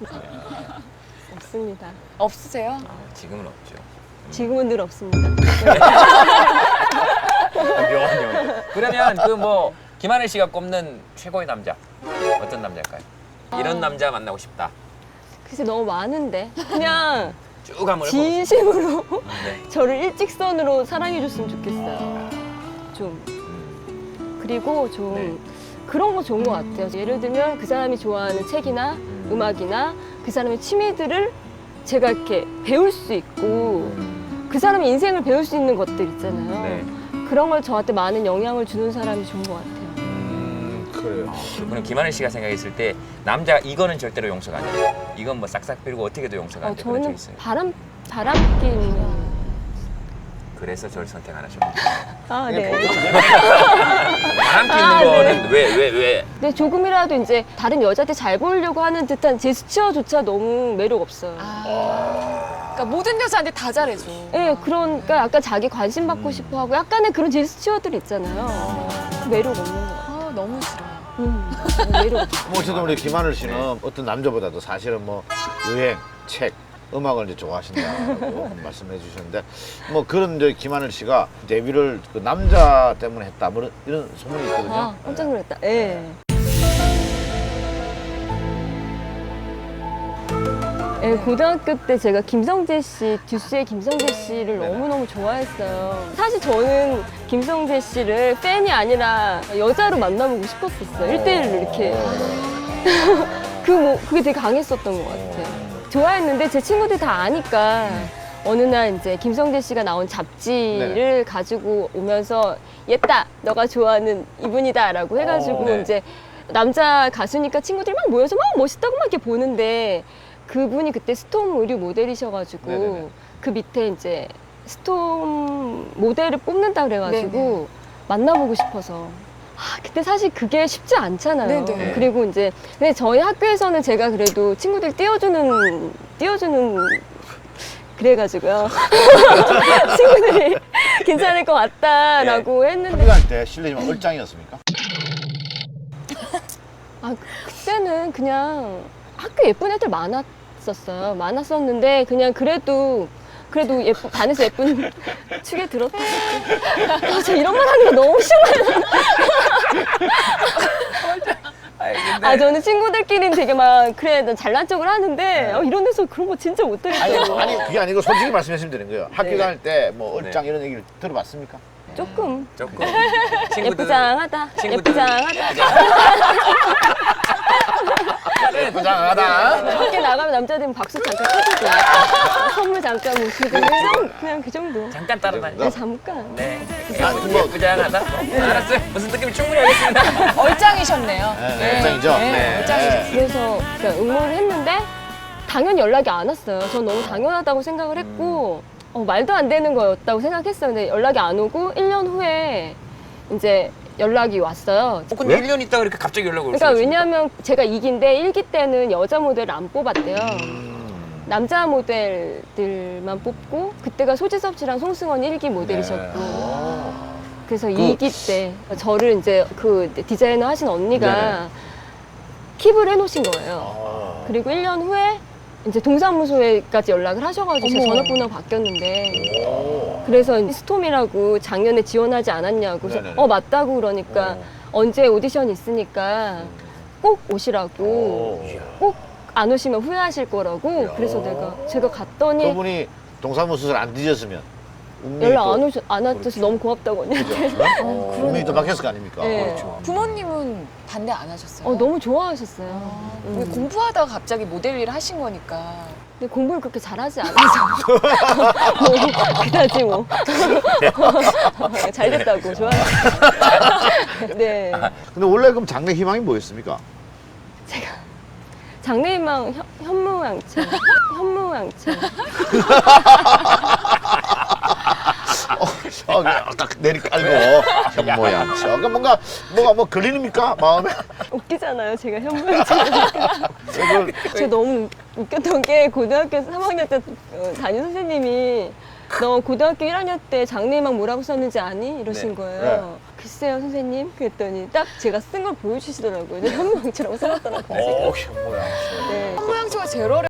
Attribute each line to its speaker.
Speaker 1: 없습니다.
Speaker 2: 없으세요?
Speaker 3: 지금은 없죠.
Speaker 1: 지금은 늘 없습니다.
Speaker 3: 묘한 영. 그러면 그 뭐 김하늘 씨가 꼽는 최고의 남자 어떤 남자일까요? 이런 남자 만나고 싶다.
Speaker 1: 글쎄 너무 많은데 그냥
Speaker 3: 쭉 한번 해보세요.
Speaker 1: 진심으로
Speaker 3: 네.
Speaker 1: 저를 일직선으로 사랑해줬으면 좋겠어요. 좀 그리고 좀
Speaker 3: 네.
Speaker 1: 그런 거 좋은 것 같아요. 예를 들면 그 사람이 좋아하는 책이나 음악이나 그 사람의 취미들을 제가 이렇게 배울 수 있고 그 사람의 인생을 배울 수 있는 것들 있잖아요.
Speaker 3: 네.
Speaker 1: 그런 걸 저한테 많은 영향을 주는 사람이 좋은 것 같아요.
Speaker 4: 그래요.
Speaker 3: 그럼 김하늘 씨가 생각했을 때 남자 이거는 절대로 용서가 안 돼요. 이건 뭐 싹싹 빌고 어떻게도 용서가 안 돼. 그런 적
Speaker 1: 저는
Speaker 3: 있어요.
Speaker 1: 바람기 있는.
Speaker 3: 그래서 저를 선택 안 하셨고.
Speaker 1: 아, 네.
Speaker 3: 바람기 있는
Speaker 1: 아,
Speaker 3: 거는 왜?
Speaker 1: 근데 조금이라도 이제 다른 여자한테 잘 보이려고 하는 듯한 제스처조차 너무 매력 없어요.
Speaker 2: 그러니까 모든 여자한테 다 잘해줘.
Speaker 1: 예, 그러니까 약간 자기 관심 받고 싶어 하고 약간의 그런 제스처들 있잖아요. 매력 없는 거 같아요.
Speaker 2: 아, 너무 싫어요.
Speaker 1: 매력 없어.
Speaker 4: 뭐 어쨌든 우리 김하늘 씨는 어떤 남자보다도 사실은 뭐 여행, 책, 음악을 이제 좋아하신다고 말씀해 주셨는데 뭐 그런 이제 김하늘 씨가 데뷔를 그 남자 때문에 했다 뭐 이런 소문이 있거든요.
Speaker 1: 아, 깜짝 놀랐다. 예. 예, 고등학교 때 제가 김성재 씨, 듀스의 김성재 씨를
Speaker 4: 네네.
Speaker 1: 너무너무 좋아했어요. 사실 저는 김성재 씨를 팬이 아니라 여자로 만나보고 싶었었어요. 1대1로 이렇게. 그게 되게 강했었던 것 같아요. 좋아했는데 제 친구들이 다 아니까 어느 날 이제 김성재 씨가 나온 잡지를
Speaker 4: 네네.
Speaker 1: 가지고 오면서 얘따 너가 좋아하는 이분이다 라고 해가지고
Speaker 3: 네.
Speaker 1: 이제 남자 가수니까 친구들이 막 모여서 막 멋있다고 막 이렇게 보는데 그분이 그때 스톰 의류 모델이셔가지고
Speaker 4: 네네네.
Speaker 1: 그 밑에 이제 스톰 모델을 뽑는다 그래가지고
Speaker 2: 네네.
Speaker 1: 만나보고 싶어서 그때 사실 그게 쉽지 않잖아요.
Speaker 2: 네네.
Speaker 1: 그리고 이제 근데 저희 학교에서는 제가 그래도 친구들 띄워주는 그래가지고요. 친구들이 괜찮을 것 같다라고 했는데
Speaker 4: 합의할 때 실례지만 얼짱이었습니까?
Speaker 1: 그때는 그냥 학교 예쁜 애들 많았었어요. 많았었는데 그냥 그래도 반에서 예쁜 축에 들었다. 저 이런 말 하는 거 너무 싫어요. 저는 친구들끼리는 되게 막 그래 난 잘난 척을 하는데 이런 데서 그런 거 진짜 못하겠어요.
Speaker 4: 아니 그게 아니고 솔직히 말씀하시면 되는 거예요. 학교
Speaker 1: 네.
Speaker 4: 다닐 때 뭐 얼짱 이런 얘기를 들어봤습니까?
Speaker 1: 조금
Speaker 3: 조금 친구들
Speaker 1: 예쁘장하다.
Speaker 3: 친구들-
Speaker 1: 예쁘장하다.
Speaker 4: 예쁘장하다.
Speaker 1: 밖에 나가면 남자들은 박수 잠깐 쳐주고 선물 잠깐 뭐 그냥 그 정도.
Speaker 3: 잠깐 따라다니.
Speaker 1: 네, 잠깐.
Speaker 3: 네.
Speaker 4: 아니, 뭐-
Speaker 3: 부장하다. 알았어요. 무슨 느낌이 충분히 알겠습니다.
Speaker 2: 얼짱이셨네요.
Speaker 4: 네, 얼짱이죠? 네.
Speaker 2: 얼짱이셨어요.
Speaker 1: 그래서 그러니까 응모를 했는데 당연히 연락이 안 왔어요. 전 너무 당연하다고 생각을 했고 말도 안 되는 거였다고 생각했어요. 근데 연락이 안 오고 1년 후에 이제 연락이 왔어요.
Speaker 3: 근데
Speaker 4: 왜?
Speaker 3: 1년 있다가 이렇게 갑자기 연락 올 수가
Speaker 1: 그러니까
Speaker 3: 있습니까?
Speaker 1: 왜냐하면 제가 2기인데 1기 때는 여자 모델을 안 뽑았대요. 남자 모델들만 뽑고 그때가 소지섭 씨랑 송승헌 1기 모델이셨고 그래서 2기 때 저를 이제 그 디자이너 하신 언니가 킵을 해놓으신 거예요. 그리고 1년 후에 이제 동사무소에까지 연락을 하셔가지고 제
Speaker 2: 어머.
Speaker 1: 전화번호가 바뀌었는데 그래서 스톰이라고 작년에 지원하지 않았냐고 그래서
Speaker 4: 네네네.
Speaker 1: 맞다고 그러니까 언제 오디션 있으니까 꼭 오시라고 꼭 안 오시면 후회하실 거라고 그래서 제가 갔더니
Speaker 4: 그분이 동사무소를 안 뒤졌으면 운명이
Speaker 1: 연락
Speaker 4: 또-
Speaker 1: 안 왔어서 너무 고맙다고 언니한테
Speaker 4: 운명이 또 바뀌었을 거 아닙니까?
Speaker 1: 네.
Speaker 4: 그렇죠.
Speaker 2: 부모님은 반대 안 하셨어요?
Speaker 1: 너무 좋아하셨어요.
Speaker 2: 왜 공부하다가 갑자기 모델 일을 하신 거니까.
Speaker 1: 근데 공부를 그렇게 잘하지 않아서 그다지 뭐 잘 됐다고 좋아요. 네,
Speaker 4: 근데 원래 그럼 장래 희망이 뭐였습니까?
Speaker 1: 장래희망 현무양처.
Speaker 4: 딱 내리 깔고 현모양. 그러니까 뭐가 뭐 걸리십니까 마음에?
Speaker 1: 웃기잖아요, 제가 현무양처니까. 저 너무 웃겼던 게 고등학교 3학년 때 담임 선생님이 너 고등학교 1학년 때 장래희망 뭐라고 썼는지 아니? 이러신
Speaker 4: 네.
Speaker 1: 거예요. 글쎄요, 선생님. 그랬더니 딱 제가 쓴 걸 보여주시더라고요. 현무양처라고 써놨더라고요.
Speaker 4: 현모양.
Speaker 1: 네.
Speaker 2: 현모양처가 제로를